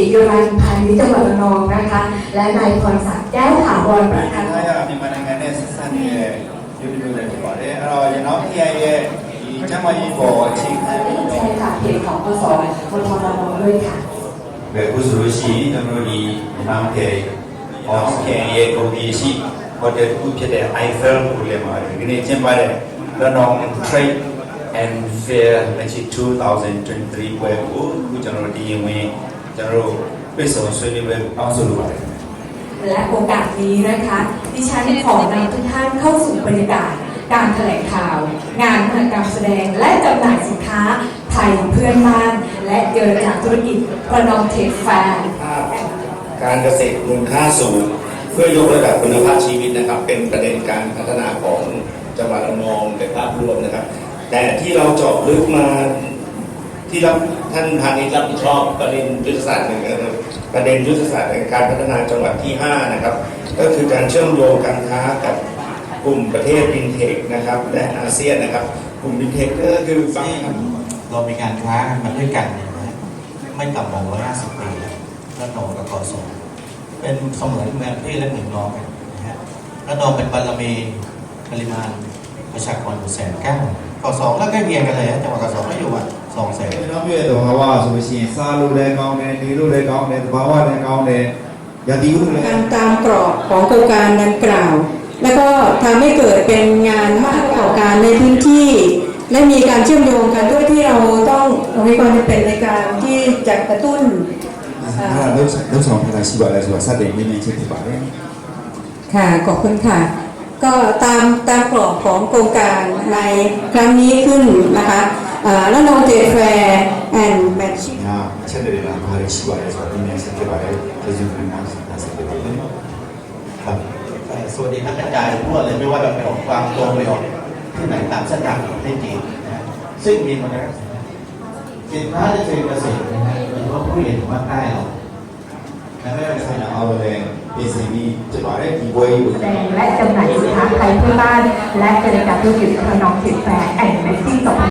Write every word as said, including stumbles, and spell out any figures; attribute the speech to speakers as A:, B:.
A: รียุรันพาณิชย์จังหวัดระนองนะคะและนายพรศักดิ์แก้วถาวรประธาน
B: မြန်မာနိုင်ငံနဲ့ဆက်ဆက်နေတဲ့ယူနီဗာဖြစ်ပါတယ်အဲ့တော့ကျွန်တော် P I ရဲ့ဒီကျန်းမာရေးပေါ်အခြေခံပြီးတော့
A: ใช่ค่ะเพจของกสวทระนองด้วยค่ะ
B: ဘယ်လိုဆိုလို့ရှိရင်ကျွန်တော်ဒီမြန်မာပြည်ဟောစကန်ရဲ့ကိုဒီရှိဟိုတယ်ခုဖြစ်တဲ့ Eiffel ကိုလည်းမှာဒီနေ့ကျင်းပတဲ့ Ranong Trade and Fair two thousand twenty-three ပွဲကိုခုကျွန်တော်ဒီရင်ဝင်ကျွန်တော်တို့ပြည့်စုံဆွေးနွေးပွဲအောက်ဆိုလိုပါတယ်
A: และโอกาสนี้นะคะดิฉันขอนำทุกท่านเข้าสู่บรรยากาศการแถลงข่าว งานมหกรรมแสดงและจำหน่ายสินค้าไทยเพื่อนบ้านและเจรจาธุรกิจระนองเทคแฟร์
C: การเกษตรมูลค่าสูงเพื่อยกระดับคุณภาพชีวิตนะครับเป็นประเด็นการพัฒนาของจังหวัดระนองในภาพรวมนะครับแต่ที่เราเจาะลึกมาที่รับท่านพาณิชย์รับผิดชอบประเด็นยุทธศาสตร์หนึ่งนะครับประเด็นยุทธศาสตร์ในการพัฒนาจังหวัดที่ห้านะครับก็คือการเชื่อมโยงการค้ากับกลุ่มประเทศฟินเทคนะครับและอาเซียนนะครับกลุ่มฟินเทคก็คือฟัง
D: เรามีการค้ามาด้วยกันเนี่ยนะไม่ต่ำกว่าร้อยห้าสิบปีระนองกับกสเป็นเสมือนแม่พี่และหนึ่งน้องกันนะฮะระนองเป็นบารมีปริมาณประชากรอยู่แสนเก้ากสก็ใกล้เคียงกันเลยจังหวัดกสก็อยู่อ่ะสองแสน
E: เราเพื่อตัวภาวะสุวิชีซาลูเลยกองเนี่ยดีลูเลยกองเนี่ยภาวะเลยกองเนี่ยอย่าดีลูเลย
F: การตามกรอบของโครงการดังกล่าวแล้วก็ทำให้เกิดเป็นงานมากต่อการในพื้นที่และมีการเชื่อมโยงกันด้วยที่เราต้องมีความจำเป็นในการที่จะกระตุ้น
E: เริ่มเริ่มสองพันสิบวันแล้วสิว่าซาเดนไม่มีเช่นที่บอกเลย
F: ค่ะขอบคุณค่ะก็ตามตามกรอบของโครงการในครั้งนี้ขึ้นนะคะแล้วน้องเจแฟร์แอนด์แมทชิ่ง
E: เช่นเดียวกันมาเลเซียสิว่าที่มีเช่นที่บอกเลยจะอยู่ในนั้นน่าสนใจ
D: ครับสวัสดีนักกระจายทั่วเลยไม่ว่าจะเป็นออกกวางโตไปออกที่ไหนตามเส้นทางประเทศจีนนะซึ่งมีมาแล้วสินค้าที่เป็นเกษตรนะฮะโดยเฉพาะผู้เรียนภาคใต้เรา
E: ไม่ว่าจะเป็นเอาเลยเป็นสิ่งที่จะบอกได้กี่วัยแส
A: ดงและจำหน่ายสินค้าไทยเพื่อบ้านและเจรจาธุรกิจระนองเทคแฟร์แอนด์แมทซิ่ง